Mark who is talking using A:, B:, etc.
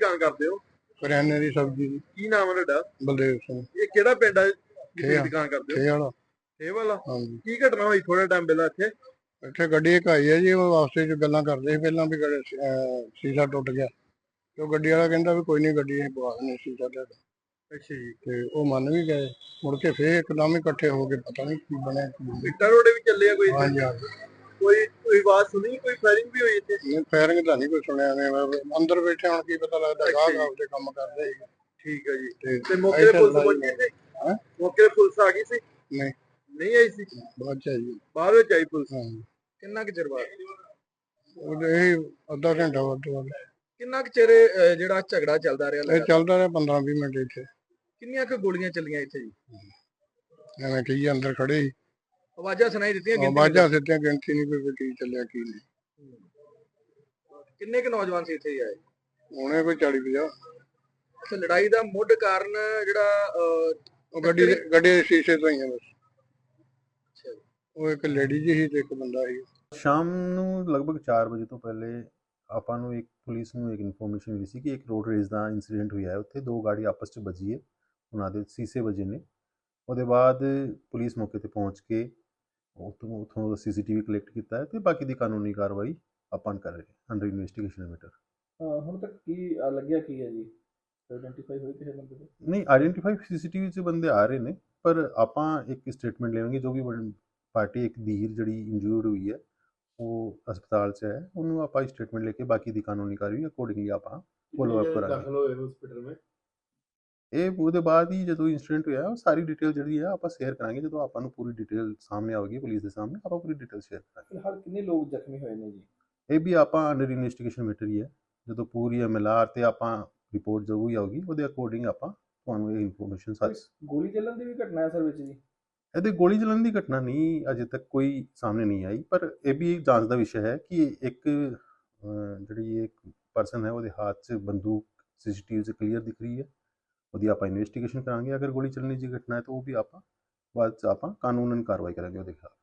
A: ਦੁਕਾਨ ਕਰਦੇ ਹੋ?
B: ਕਰਿਆਨੇ ਦੀ ਸਬਜ਼ੀ ਦੀ।
A: ਕੀ ਨਾਮ ਹੈ ਤੁਹਾਡਾ?
B: ਬਲਦੇਵ ਸਿੰਘ।
A: ਇਹ ਕਿਹੜਾ ਪਿੰਡ ਹੈ ਜਿੱਥੇ
B: ਠੇਆ
A: ਦੁਕਾਨ ਕਰਦੇ ਹੋ?
B: ਠੇ ਵਾਲਾ।
A: ਇਹ ਵਾਲਾ।
B: ਹਾਂਜੀ।
A: ਕੀ ਘਟਨਾ ਹੋਈ ਥੋੜਾ ਟਾਈਮ ਪਹਿਲਾਂ ਇੱਥੇ?
B: ਇੱਥੇ ਗੱਡੀ ਇੱਕ ਆਈ ਹੈ ਜੀ, ਉਹ ਵਾਸਤੇ ਚ ਗੱਲਾਂ ਕਰਦੇ ਸੀ ਪਹਿਲਾਂ ਵੀ ਸ਼ੀਸ਼ਾ ਟੁੱਟ ਗਿਆ ਤੇ ਉਹ ਗੱਡੀ ਵਾਲਾ ਕਹਿੰਦਾ ਵੀ ਕੋਈ ਨਹੀਂ, ਗੱਡੀ ਅਸੀਂ ਪਵਾ ਦਿੰਦੇ ਸ਼ੀਸ਼ਾ ਤੁਹਾਡਾ।
A: ਅੱਛਾ ਜੀ।
B: ਤੇ ਉਹ ਮੰਨ ਵੀ ਗਏ। ਮੁੜ ਕੇ ਫੇਰ ਇੱਕਦਮ ਹੀ ਇਕੱਠੇ ਹੋ ਕੇ ਪਤਾ ਨਹੀਂ ਕੀ ਬਣਿਆ ਕੀ ਨਹੀਂ।
A: ਇੱਟਾਂ ਰੋੜੇ ਵੀ ਚੱਲੇ ਆ ਕੋਈ?
B: ਹਾਂਜੀ ਹਾਂਜੀ।
A: ਕੋਈ ਆਵਾਜ਼ ਸੁਣੀ? ਕੋਈ ਫਾਇਰਿੰਗ ਵੀ ਹੋਈ ਇੱਥੇ?
B: ਨਹੀਂ, ਫਾਇਰਿੰਗ ਤਾਂ ਨਹੀਂ ਕੋਈ ਸੁਣਿਆ। ਅੰਦਰ ਬੈਠੇ ਹੁਣ ਕੀ ਪਤਾ ਲੱਗਦਾ, ਗਾਹਕ ਆਪਦੇ ਕੰਮ ਕਰਦੇ ਸੀ।
A: ਠੀਕ ਹੈ ਜੀ।
B: ਤੇ
A: ਤੇ ਮੌਕੇ ਤੇ ਪੁਲਿਸ
B: ਲੜਾਈ
A: ਪਹੁੰਚੀ ਸੀ?
B: ਹੈਂ?
A: ਮੌਕੇ ਤੇ ਪੁਲਿਸ ਆ ਗਈ ਸੀ?
B: ਨਹੀਂ,
A: ਨਹੀਂ ਆਈ ਸੀ?
B: ਬਾਅਦ ਚ ਆਈ ਜੀ।
A: ਬਾਅਦ ਵਿੱਚ ਆਈ ਪੁਲਿਸ?
B: ਹਾਂਜੀ।
A: ਕਿੰਨਾ ਕੁ ਚਿਰ ਬਾਅਦ?
B: ਉਹ ਇਹ ਅੱਧਾ ਘੰਟਾ ਵੱਧ ਤੋਂ ਵੱਧ।
A: ਕਿੰਨਾ ਕੁ ਚਿਰ ਜਿਹੜਾ ਝਗੜਾ ਚੱਲਦਾ ਰਿਹਾ?
B: ਇਹ ਚੱਲਦਾ ਰਿਹਾ 15-20 ਮਿੰਟ ਇੱਥੇ।
A: ਕਿੰਨੀਆਂ ਕੁ ਗੋਲੀਆਂ ਚੱਲੀਆਂ ਇੱਥੇ ਜੀ?
B: ਐਵੇਂ ਕਹੀ ਅੰਦਰ ਖੜੇ ਸੀ,
A: ਆਵਾਜ਼ਾਂ ਸੁਣਾਈ ਦਿੱਤੀਆਂ?
B: ਆਵਾਜ਼ਾਂ ਸਿੱਧੀਆਂ, ਗਿਣਤੀ ਨਹੀਂ ਕੋਈ ਕੀ ਚੱਲਿਆ ਕੀ ਨਹੀਂ।
A: ਕਿੰਨੇ ਕੁ ਨੌਜਵਾਨ ਸੀ ਇੱਥੇ ਆਏ?
B: ਹੁਣੇ ਕੋਈ 40-50।
A: ਅੱਛਾ, ਲੜਾਈ ਦਾ ਮੁੱਢ ਕਾਰਨ ਜਿਹੜਾ
B: ਉਹ ਗੱਡੀ ਦੇ ਸ਼ੀਸ਼ੇ ਤੋਂ ਹੀ ਆ ਬਸ।
A: ਅੱਛਾ ਜੀ।
B: ਉਹ ਇੱਕ ਲੇਡੀ ਜੀ ਸੀ ਤੇ ਇੱਕ ਬੰਦਾ ਸੀ।
C: ਸ਼ਾਮ ਨੂੰ ਲਗਭਗ 4 ਵਜੇ ਤੋਂ ਪਹਿਲੇ ਆਪਾਂ ਨੂੰ ਇੱਕ ਪੁਲਿਸ ਨੂੰ ਇੱਕ ਇਨਫੋਰਮੇਸ਼ਨ ਮਿਲੀ ਸੀ ਕਿ ਇੱਕ ਰੋਡ ਰੇਸ ਦਾ ਇਨਸੀਡੈਂਟ ਹੋਇਆ ਹੈ। ਉੱਥੇ ਦੋ ਗਾੜੀ ਆਪਸ 'ਚ ਵੱਜੀ ਹੈ, ਉਹਨਾਂ ਦੇ ਸ਼ੀਸ਼ੇ ਵੱਜੇ ਨੇ। ਉਹਦੇ ਬਾਅਦ ਪੁਲਿਸ ਮੌਕੇ 'ਤੇ ਪਹੁੰਚ ਕੇ ਉੱਥੋਂ CCTV ਕਲੈਕਟ ਕੀਤਾ ਹੈ ਅਤੇ ਬਾਕੀ ਦੀ ਕਾਨੂੰਨੀ ਕਾਰਵਾਈ ਆਪਾਂ ਕਰ ਰਹੇ ਅੰਡਰ ਇਨਵੈਸਟੀਗੇਸ਼ਨ ਮੈਟਰ।
D: ਹੁਣ ਤੱਕ ਕੀ ਲੱਗਿਆ ਕੀ ਹੈ ਜੀ? ਆਈਡੈਂਟੀਫਾਈ ਹੋਈ ਕਿਸੇ ਬੰਦੇ ਦੇ?
C: ਨਹੀਂ, ਆਈਡੈਂਟੀਫਾਈ CCTV 'ਚ ਬੰਦੇ ਆ ਰਹੇ ਨੇ, ਪਰ ਆਪਾਂ ਇੱਕ ਸਟੇਟਮੈਂਟ ਲੈਵਾਂਗੇ। ਜੋ ਵੀ ਪਾਰਟੀ ਇੱਕ ਧੀਰ ਜਿਹੜੀ ਇੰਜੂਰਡ ਹੋਈ ਹੈ ਉਹ ਹਸਪਤਾਲ 'ਚ ਹੈ, ਉਹਨੂੰ ਆਪਾਂ ਸਟੇਟਮੈਂਟ ਲੈ ਕੇ ਬਾਕੀ ਦੀ ਕਾਨੂੰਨੀ ਕਾਰਵਾਈ ਅਕੋਰਡਿੰਗਲੀ ਆਪਾਂ ਫੋਲੋ ਅਪ ਕਰਾਂਗੇ।
D: ਦਾਖਲ ਹੋਏ ਹਸਪੀਟਲ ਵਿੱਚ
C: ਇਹ ਉਹਦੇ ਬਾਅਦ ਹੀ ਜਦੋਂ ਇੰਸੀਡੈਂਟ ਹੋਇਆ ਉਹ ਸਾਰੀ ਡਿਟੇਲ ਜਿਹੜੀ ਹੈ ਆਪਾਂ ਸ਼ੇਅਰ ਕਰਾਂਗੇ। ਜਦੋਂ ਆਪਾਂ ਨੂੰ ਪੂਰੀ ਡਿਟੇਲ ਸਾਹਮਣੇ ਆਵੇਗੀ ਪੁਲਿਸ ਦੇ ਸਾਹਮਣੇ, ਆਪਾਂ ਪੂਰੀ ਡਿਟੇਲ ਸ਼ੇਅਰ ਕਰਾਂਗੇ।
D: ਫਿਲਹਾਲ ਕਿੰਨੇ ਲੋਕ ਜ਼ਖਮੀ ਹੋਏ ਨੇ ਜੀ?
C: ਇਹ ਵੀ ਆਪਾਂ ਅੰਡਰ ਇਨਵੈਸਟੀਗੇਸ਼ਨ ਮੈਟਰ ਹੀ ਹੈ। ਜਦੋਂ ਪੂਰੀ MLR ਤੇ ਆਪਾਂ ਰਿਪੋਰਟ ਜੋ ਵੀ ਆਊਗੀ ਉਹਦੇ ਅਕੋਰਡਿੰਗ ਆਪਾਂ ਤੁਹਾਨੂੰ ਇਹ ਇਨਫੋਰਮੇਸ਼ਨ ਸਾਰੀ।
D: ਗੋਲੀ ਚੱਲਣ ਦੀ ਵੀ ਘਟਨਾ ਹੈ ਸਰ ਵਿੱਚ ਜੀ?
C: ਇਹਦੇ ਗੋਲੀ ਚੱਲਣ ਦੀ ਘਟਨਾ ਨਹੀਂ ਅਜੇ ਤੱਕ ਕੋਈ ਸਾਹਮਣੇ ਨਹੀਂ ਆਈ, ਪਰ ਇਹ ਵੀ ਇੱਕ ਜਾਂਚ ਦਾ ਵਿਸ਼ਾ ਹੈ ਕਿ ਇੱਕ ਜਿਹੜੀ ਇੱਕ ਪਰਸਨ ਹੈ ਉਹਦੇ ਹੱਥ 'ਚ ਬੰਦੂਕ CCTV 'ਚ ਕਲੀਅਰ ਦਿਖ ਰਹੀ ਹੈ। ਉਹਦੀ ਆਪਾਂ ਇਨਵੈਸਟੀਗੇਸ਼ਨ ਕਰਾਂਗੇ। ਅਗਰ ਗੋਲੀ ਚੱਲਣ ਦੀ ਘਟਨਾ ਹੈ ਤਾਂ ਉਹ ਵੀ ਆਪਾਂ ਬਾਅਦ 'ਚ ਆਪਾਂ ਕਾਨੂੰਨਨ ਕਾਰਵਾਈ ਕਰਾਂਗੇ ਉਹਦੇ ਖਿਲਾਫ।